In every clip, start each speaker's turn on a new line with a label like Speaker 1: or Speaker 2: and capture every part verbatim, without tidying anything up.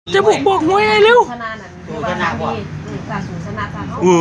Speaker 1: จะบอกบอกมวยไงเร็ว
Speaker 2: ชนะนั่นคือว่าทางนี้การสูชนะทางเขา
Speaker 1: เอ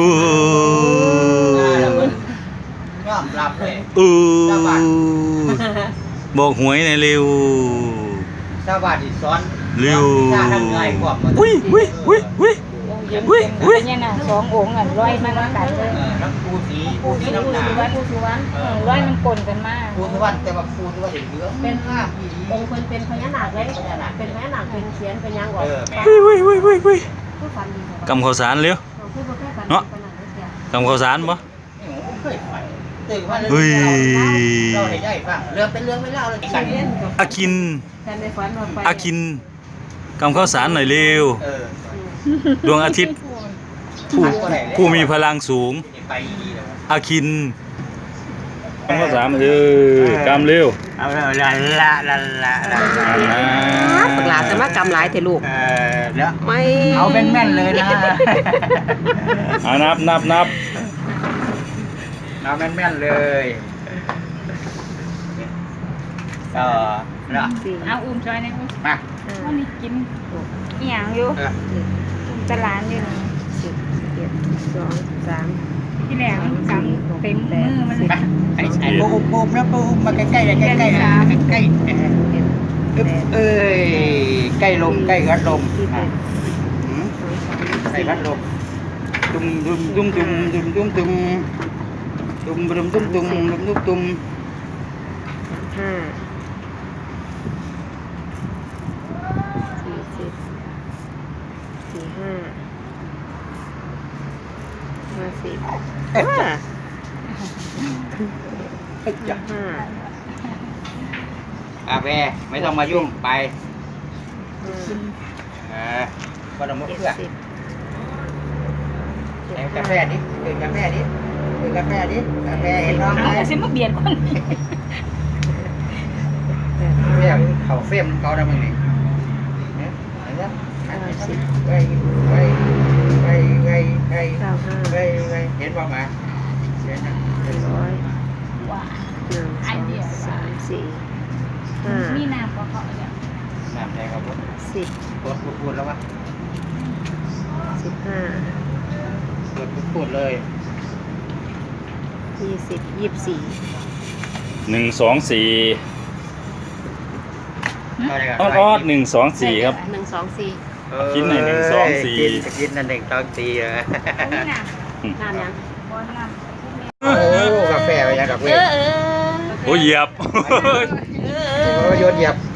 Speaker 3: อยอมรับเลย
Speaker 1: เออบอกหวยไงเร็ว
Speaker 3: ชาวบ้านที่สอน
Speaker 1: เร็ว
Speaker 3: ชาทำไงกว่ามัน
Speaker 1: อุ้ยอุ้ยอุ้ยอุ้ย
Speaker 4: อุ้ยอุ้ยเนี่ยนะสององค์อ่ะร้อยมาน้ำกันเลย
Speaker 3: เออน้ำปูสีปู
Speaker 2: ผู้
Speaker 3: สี
Speaker 2: สุ
Speaker 3: น้ำหนา
Speaker 2: วรรณผู้สุวรรณ
Speaker 4: เออร้อยมันกลนกันมาก
Speaker 3: ปูสุวรรณแต่ว่าปูสุวรรณเหลืองเป็นห้าปี
Speaker 2: องค์เป็นเป็นพญานาคเลยเป็นพญานาคเป็นเขียนเป็นยังก่อน
Speaker 3: เออแม่
Speaker 1: อุ้ยอุ้ยอุ้ยอุ้ยอุ้ย
Speaker 2: ผู้ฟันดี
Speaker 1: กำข้าวสารเร็ว
Speaker 2: ผู้ประเภทฟัน
Speaker 1: เนาะกำข้าวสารปะ
Speaker 3: เคยไปตื่นมา
Speaker 1: เฮ้ย
Speaker 3: เราได้ได้ฟังเรื่องเป็นเรื่องไม่เล่าเลยกัน
Speaker 1: อากิน
Speaker 2: แต่ในฝันเราไป
Speaker 1: อากินกำข้าวสารหน่อยเร็ว
Speaker 3: เออ
Speaker 1: ดวงอาทิตย์ผู้ผู้มีพลังสูง
Speaker 3: ไปดีเลย
Speaker 1: อาคินกำข้าวสารเออกำเร็ว
Speaker 3: เอาละละละละละละ
Speaker 2: ปากหลาจะมากำหลายเถอะลูก
Speaker 3: เออแล้ว
Speaker 2: ไม่
Speaker 3: เอาแม่นๆเลยนะ
Speaker 1: เอานับนับนับ
Speaker 3: เอาแม่นๆเลยเออแล้ว
Speaker 4: เอาอุ้มซอยนะอุ้ม
Speaker 3: มา
Speaker 4: เขามีกินอีหยังอยู่
Speaker 3: เออ
Speaker 4: อุ้มตลาดอยู่นี่
Speaker 2: สิบเอ็ดสองสาม
Speaker 4: ที่แรกมันกำเต็มมือมันเลย
Speaker 3: ไอ้ไอ้ปูปูนะปูมาใกล้ๆใกล้ๆใกล้ๆใกล้ๆเอ้ยใกล้ลมใกล้กัดลมใกล้กัดลมตุ้มตุ้มตุ้มตุ้มตุ้มตุ้มตุ้มตุ้มตุ้มตุ้มตุ้มตุ้มตุ้มตุ้ม
Speaker 2: ห้าสี่สิบสี่ห้าห้าสิบห้าห้า
Speaker 3: อาแม่ไม่ต้องมายุ่งไป
Speaker 2: ห้า
Speaker 3: เออก็ต้องมุก
Speaker 2: เจ็ด
Speaker 3: เพื่อ
Speaker 2: สิบ
Speaker 3: เอ็กาแฟดิเอ็กาแฟดิเอ็กาแฟดิกาแฟเห็นน้องไหม
Speaker 4: เอาแต่ซิมาเบียดคน
Speaker 3: เฟียมเขาเฟียมเขาได้มึงนี่เนี่ยเห็นไหมไปไปไปไปไป
Speaker 2: เก้าห้า
Speaker 3: ไปไปเห็นบ้างไหมเห็นนะ
Speaker 2: ร้อย
Speaker 4: ว่า
Speaker 2: หนึ่งสองสามสี่ห้า
Speaker 4: มีน้ำก็เขาเนี่ย
Speaker 3: น้ำแดงครับผม
Speaker 2: สิบ
Speaker 3: ปวดปวดแล้ววะ
Speaker 2: สิบห้า
Speaker 3: ปวดปวดเลย
Speaker 2: ยี่สิบยี่สิบสี่
Speaker 1: หนึ่งสองสี่
Speaker 3: อะไรกัน
Speaker 1: ออดออดหนึ่งสองสี่ครับ
Speaker 2: หนึ่งสองสี่
Speaker 1: กินหน่อยหนึ่งสองสี่
Speaker 3: กินกินนั่นหนึ่งสองสี่เลย
Speaker 4: มีน้
Speaker 2: น้ำยัง
Speaker 4: ำบอลน้ำ
Speaker 3: โอ้กาแฟไปยังดอกเว้ย
Speaker 4: เออเออ
Speaker 1: โอ้ยเหยียบ
Speaker 3: โอ้ยโยนเหยียบ